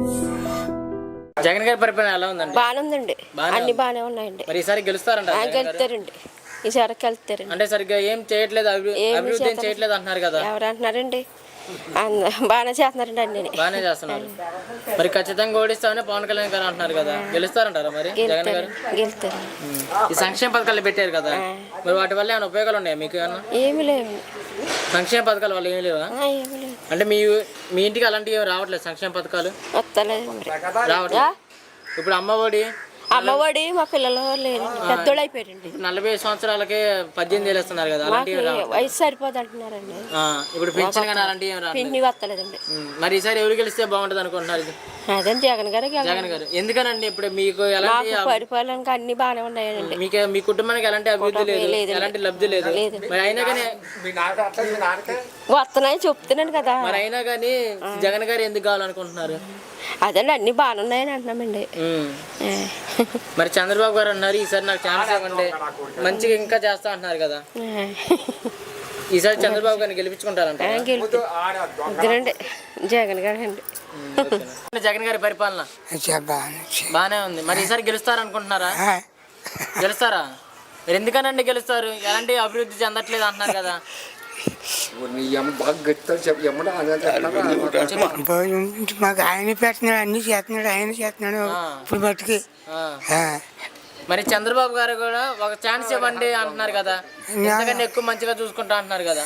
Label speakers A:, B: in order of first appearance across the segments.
A: జగన్ గారి పరిపాలన ఎలా ఉందండి?
B: బాగానే ఉందండి, అన్ని బాగానే ఉన్నాయండి.
A: మరి ఈసారి గెలుస్తారంట?
B: గెలుస్తారండి, ఈసారి వెళ్తారండి.
A: అంటే సరిగ్గా ఏం చేయట్లేదు, అభివృద్ధి ఏం చేయట్లేదు అంటున్నారు కదా.
B: ఎవరు అంటున్నారండి? బాగానే చేస్తున్నారండి, అన్ని
A: బాగానే చేస్తున్నారు. మరి ఖచ్చితంగా ఓడిస్తామని పవన్ కళ్యాణ్ గారు అంటున్నారు కదా, గెలుస్తారంటారా మరి జగన్ గారు?
B: గెలుస్తారు.
A: ఈ సంక్షేమ పథకాలు పెట్టారు కదా, మరి వాటి వల్ల ఏమైనా ఉపయోగాలు ఉన్నాయా మీకు? ఏమన్నా
B: ఏమి లేవు.
A: సంక్షేమ పథకాల వల్ల ఏమి లేవా?
B: ఏమి లేవు.
A: అంటే మీ ఇంటికి అలాంటివి ఏమి రావట్లేదు సంక్షేమ పథకాలు?
B: వస్తలేదు
A: రావట్లేదు. ఇప్పుడు
B: అమ్మఒడి మా పిల్లలు లేరండి, పెద్దోళ్ళు అయిపోయారండి.
A: 40 సంవత్సరాలకే 18,000 ఇస్తున్నారు కదా,
B: వయసు సరిపోదు అంటున్నారండి.
A: ఇప్పుడు పెన్షన్ కానీ అలాంటివి ఏమి రావట్లేదు.
B: పిండి వస్తలేదండి.
A: మరి ఈసారి ఎవరు గెలిస్తే బాగుంటుంది అనుకుంటున్నారు?
B: అదే జగన్ గారు.
A: జగన్ గారు ఎందుకనండి? ఇప్పుడు మీకు ఎలాంటి
B: పరిపాలనకి అన్ని బాగానే ఉన్నాయండి.
A: మీ కుటుంబానికి ఎలాంటి అభివృద్ధి లేదు, ఎలాంటి లబ్ధి లేదు. మరి అయినా కానీ
B: వస్తున్నాయి చెప్తున్నాను కదా.
A: మరి అయినా కానీ జగన్ గారు ఎందుకు కావాలనుకుంటున్నారు?
B: అదండి అన్ని బాగానే ఉన్నాయని అంటున్నామండి.
A: మరి చంద్రబాబు గారు అన్నారు ఈసారి నాకు ఛాన్స్ ఇవ్వండి, మంచిగా ఇంకా చేస్తా అంటున్నారు కదా. ఈసారి చంద్రబాబు గారిని గెలిపించుకుంటారంట?
B: వద్దునండి, జగన్ గారు అండి.
A: జగన్ గారి పరిపాలన బాగానే ఉంది. మరి ఈసారి గెలుస్తారనుకుంటున్నారా? గెలుస్తారా? మరి ఎందుకనండి గెలుస్తారు? ఎలాంటి అభివృద్ధి చెందట్లేదు అంటున్నారు కదా.
C: మాకు ఆయన పెట్టినాడు, అన్ని చేస్తున్నాడు, ఆయన చేస్తున్నాడు ఇప్పుడు మట్టుకి.
A: మరి చంద్రబాబు గారు కూడా ఒక ఛాన్స్ ఇవ్వండి అంటున్నారు కదా, ఎందుకంటే ఎక్కువ మంచిగా చూసుకుంటా అంటున్నారు కదా.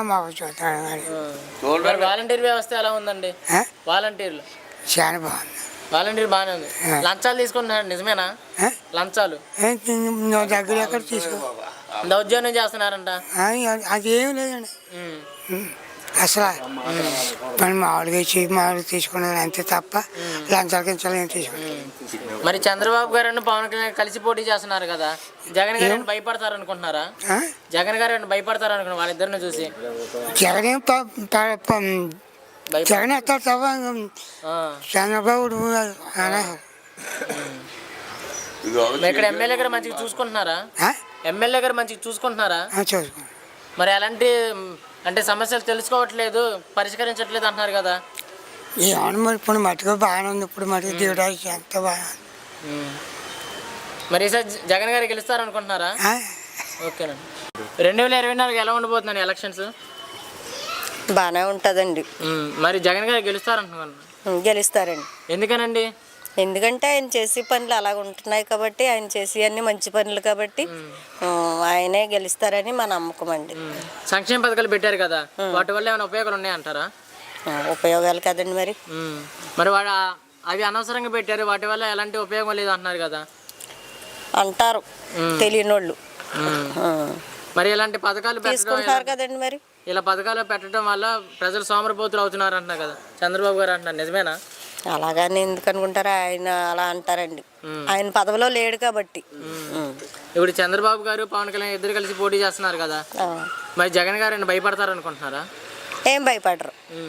A: మరి వాలంటీర్ వ్యవస్థ ఎలా ఉందండి? వాలంటీర్లు
C: చాలా బాగుంది.
A: వాలంటీర్ బాగానే ఉంది. లంచాలు తీసుకుంటున్నారు నిజమేనా? లంచాలు
C: దగ్గర ఎక్కడ తీసుకో
A: దౌర్జన్యం చేస్తున్నారంట.
C: అదేం లేదండి అసలు. మనం మామూలుగా తీసుకున్నారు అంతే తప్ప లంచాలు కించాలు ఏం తీసుకున్నారు.
A: మరి చంద్రబాబు గారు పవన్ కళ్యాణ్ కలిసి పోటీ చేస్తున్నారు కదా, జగన్ గారు భయపడతారు అనుకుంటున్నారా? జగన్ గారు భయపడతారు అనుకున్నారు వాళ్ళిద్దరిని చూసి?
C: జగన్ ఎత్తాడు తప్ప చంద్రబాబు
A: ఇక్కడ ఎమ్మెల్యే గారు మంచిగా చూసుకుంటున్నారా? ఎమ్మెల్యే గారు మంచిగా చూసుకుంటున్నారా? మరి అలాంటి అంటే సమస్యలు తెలుసుకోవట్లేదు, పరిష్కరించట్లేదు అంటున్నారు కదా.
C: ఏమన్నా మరి ఇప్పుడు మటుకు బాగానే ఉంది, ఇప్పుడు మటుకు దేవుడా ఎంత బాగా.
A: మరి ఈసారి జగన్ గారు గెలుస్తారనుకుంటున్నారా? ఓకేనండి. 2024 ఎలా ఉండబోతున్నాను ఎలక్షన్స్?
B: బాగానే ఉంటుందండి.
A: మరి జగన్ గారు గెలుస్తారనుకుంటున్నాను?
B: గెలుస్తారండి.
A: ఎందుకనండి?
B: ఎందుకంటే ఆయన చేసే పనులు అలాగ ఉంటున్నాయి కాబట్టి, ఆయన చేసే అన్ని మంచి పనులు కాబట్టి ఆయనే గెలుస్తారని మా నమ్మకం అండి.
A: సంక్షేమ పథకాలు పెట్టారు కదా, వాటి వల్ల ఏమైనా ఉపయోగాలు ఉన్నాయంటారా?
B: ఉపయోగాలు కదండి మరి.
A: మరి అవి అనవసరంగా పెట్టారు, వాటి వల్ల ఎలాంటి ఉపయోగం లేదు అంటున్నారు కదా.
B: అంటారు తెలియని వాళ్ళు.
A: మరి ఇలాంటి పథకాలు
B: తీసుకుంటారు కదండి. మరి
A: ఇలా పథకాలు పెట్టడం వల్ల ప్రజలు సోమరిపోతులు అవుతున్నారు అంటున్నారు కదా, చంద్రబాబు గారు అంటున్నారు, నిజమేనా?
B: అలాగని ఎందుకు అనుకుంటారా? ఆయన అలా అంటారండి, ఆయన పదవిలో లేడు కాబట్టి.
A: ఇప్పుడు చంద్రబాబు గారు పవన్ కళ్యాణ్ ఇద్దరు కలిసి పోటీ చేస్తున్నారు కదా, మరి జగన్ గారు భయపడతారు అనుకుంటున్నారా?
B: ఏం భయపడరు.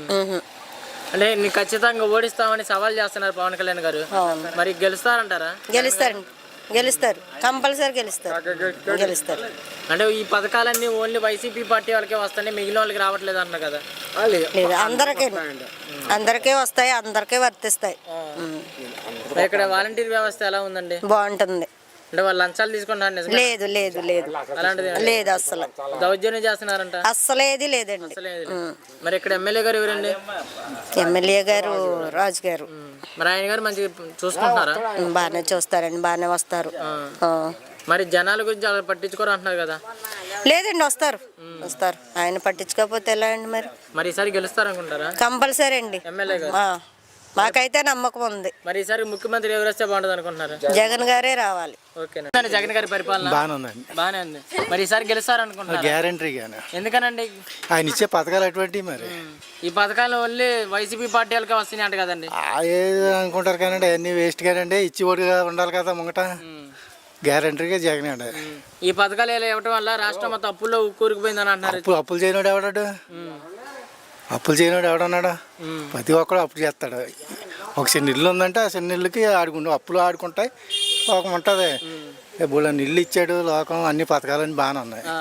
A: అంటే నీకు ఖచ్చితంగా ఓడిస్తామని సవాల్ చేస్తున్నారు పవన్ కళ్యాణ్ గారు, మరి గెలుస్తారంటారా?
B: గెలుస్తారండి, గెలుస్తారు, కంపల్సరీ గెలుస్తారు.
A: అంటే ఈ పథకాలన్నీ ఓన్లీ వైసీపీ పార్టీ వాళ్ళకే వస్తాయి, మిగిలిన వాళ్ళకి రావట్లేదు అన్న కదా.
B: లేదు, అందరికీ వస్తాయి, అందరికీ వర్తిస్తాయి.
A: ఇక్కడ వాలంటీర్ వ్యవస్థ ఎలా ఉందండి?
B: బాగుంటుంది.
A: అంటే వాళ్ళు లంచాలు తీసుకుంటారు?
B: లేదు లేదు లేదు, అలాంటిది లేదు. అస్సలు
A: దౌర్జన్యం చేస్తున్నారంట?
B: అస్సలేది లేదండి.
A: మరి ఇక్కడ ఎమ్మెల్యే గారు ఎవరండి?
B: ఎమ్మెల్యే గారు రాజు గారు.
A: మరి ఆయన గారు మంచిగా చూసుకుంటున్నారా?
B: బాగానే చూస్తారండి, బాగానే వస్తారు.
A: మరి జనాల గురించి అలా పట్టించుకోరు అంటున్నారు కదా.
B: లేదండి, వస్తారు. ఆయన పట్టించుకోకపోతే ఎలా అండి?
A: మరి ఈసారి గెలుస్తారనుకుంటారా?
B: కంపల్సరీ అండి,
A: ఎమ్మెల్యే గారు.
B: మాకైతే నమ్మకం ఉంది.
A: మరి ఈసారి ముఖ్యమంత్రి ఎవరు వస్తే బాగుంటుంది అనుకుంటున్నారు?
B: జగన్ గారే రావాలి.
A: ఓకేనా. జగన్ గారి పరిపాలన బాగానే ఉంది. మరి ఈసారి గెలుస్తారనుకుంటున్నారు?
D: గ్యారంటీగానే.
A: ఎందుకనండి?
D: ఆయన ఇచ్చే పథకాలు అటువంటి. మరి
A: ఈ పథకాలు ఓన్లీ వైసీపీ పార్టీ వాళ్ళకే వస్తున్నాయి అంట కదండి.
D: ఏది అనుకుంటారు కానండి, అన్ని వేస్ట్ కానండి. ఇచ్చి ఓడిగా ఉండాలి కదా ముంగట. గ్యారంటీగా జగన్ అండి.
A: ఈ పథకాలు ఇవ్వటం వల్ల రాష్ట్రం మొత్తం అప్పుల్లో కూరుకుపోయిందని అంటున్నారు.
D: అప్పులు చేయనోడు ఎవడాడు? అప్పులు చేయనోడు ఎవడన్నాడు? ప్రతి ఒక్కడు అప్పు చేస్తాడు. ఒక చిన్న ఇల్లు ఉందంటే ఆ చిన్న ఇల్లుకి అప్పులు ఆడుకుంటాయి, లోకం ఉంటుంది. ఇప్పుడు ఇల్లు ఇచ్చాడు లోకం, అన్ని పథకాలన్నీ బాగానే ఉన్నాయి.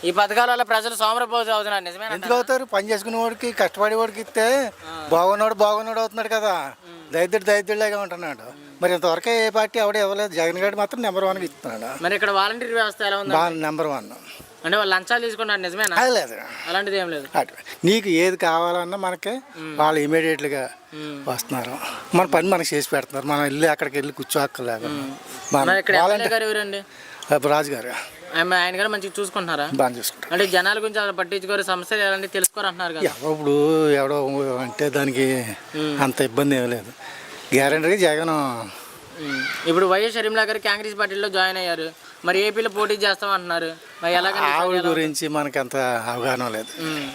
A: ఈ పథకాల వల్ల ప్రజలు సోమరపోతు అవుతున్నారు, నిజమేనా?
D: ఎందుకు అవుతారు? పని చేసుకునే వాడికి కష్టపడే వాడికి ఇస్తే బాగున్నాడు అవుతున్నాడు కదా. దరిద్రులాగా ఉంటున్నాడు. మరి ఇంతవరకు ఏ పార్టీ ఎవడ ఇవ్వలేదు. జగన్ గారు మాత్రం నెంబర్ 1కి ఇస్తున్నాడు.
A: మరి ఇక్కడ వాలంటీర్ వ్యవస్థ ఎలా ఉంది?
D: నెంబర్ 1.
A: అంటే వాళ్ళు లంచాలు తీసుకున్నారు, నిజమేనా?
D: అది లేదు,
A: అలాంటిది ఏం లేదు.
D: నీకు ఏది కావాలన్నా మనకి వాళ్ళు ఇమీడియట్గా వస్తున్నారు. మన పని మనకి చేసి పెడుతున్నారు. మనం వెళ్ళి అక్కడికి వెళ్ళి కూర్చోక్కర్లేదు.
A: మరి ఇక్కడ ఎమ్మెల్యే గారు ఎవరండి?
D: రాజు గారు.
A: ఆయన గారు మంచిగా చూసుకుంటున్నారా?
D: బాగా చూసుకుంటారు.
A: అంటే జనాల గురించి అలా పట్టించుకోరు, సమస్యలు ఎలాంటి తెలుసుకోరు అంటున్నారు కదా.
D: ఇప్పుడు ఎవడో అంటే దానికి అంత ఇబ్బంది ఏం లేదు. గ్యారెంటీగా జగన్.
A: ఇప్పుడు వైఎస్ షర్మిలా గారు కాంగ్రెస్ పార్టీలో జాయిన్ అయ్యారు. మరి ఏపీలో పోటీ చేస్తామంటున్నారు. మరి
D: ఆవిడ గురించి మనకి అంత అవగాహన లేదు.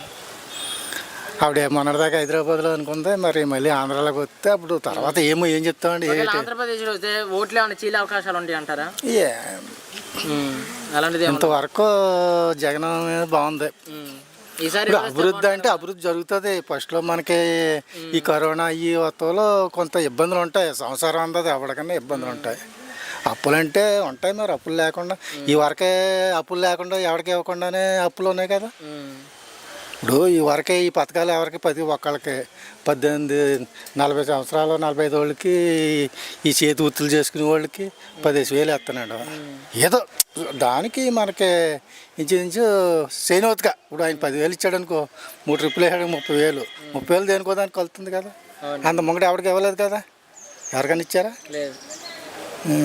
D: ఆవిడ మొన్నటిదాకా హైదరాబాద్లో అనుకుంది. మరి మళ్ళీ ఆంధ్రాలోకి వస్తే అప్పుడు తర్వాత ఏం చెప్తామండి.
A: ఆంధ్రప్రదేశ్లో వస్తే ఓట్లు ఏమైనా చీలే అవకాశాలు ఉంటాయి అంటారా? అలాంటిది
D: ఇంతవరకు జగన్ బాగుంది.
A: ఈసారి
D: అభివృద్ధి అంటే అభివృద్ధి జరుగుతుంది. ఫస్ట్లో మనకి ఈ కరోనా ఈ వత్తులో కొంత ఇబ్బందులు ఉంటాయి. సంవత్సరం అందది ఎవరికన్నా ఇబ్బందులు ఉంటాయి. అప్పులంటే ఉంటాయి. మరి అప్పులు లేకుండా ఈ వరకే అప్పులు లేకుండా ఎవరికి ఇవ్వకుండానే అప్పులు ఉన్నాయి కదా. ఇప్పుడు ఈ వరకే ఈ పథకాలు ఎవరికి ప్రతి ఒక్కళ్ళకి 18-40 సంవత్సరాలు 45 వాళ్ళకి ఈ చేతి వృత్తులు చేసుకునే వాళ్ళకి 15,000 ఇస్తున్నాడు. ఏదో దానికి మనకి ఇంచుమించు చేయనవుతుగా. ఇప్పుడు ఆయన 10,000 ఇచ్చాడు అనుకో, 3 ట్రిప్పులు వేసాడు 30,000. 30,000 దేనికో దానికి కలుతుంది కదా. అంత ముంగడు ఎవరికి ఇవ్వలేదు కదా. ఎవరికైనా ఇచ్చారా?
A: లేదు.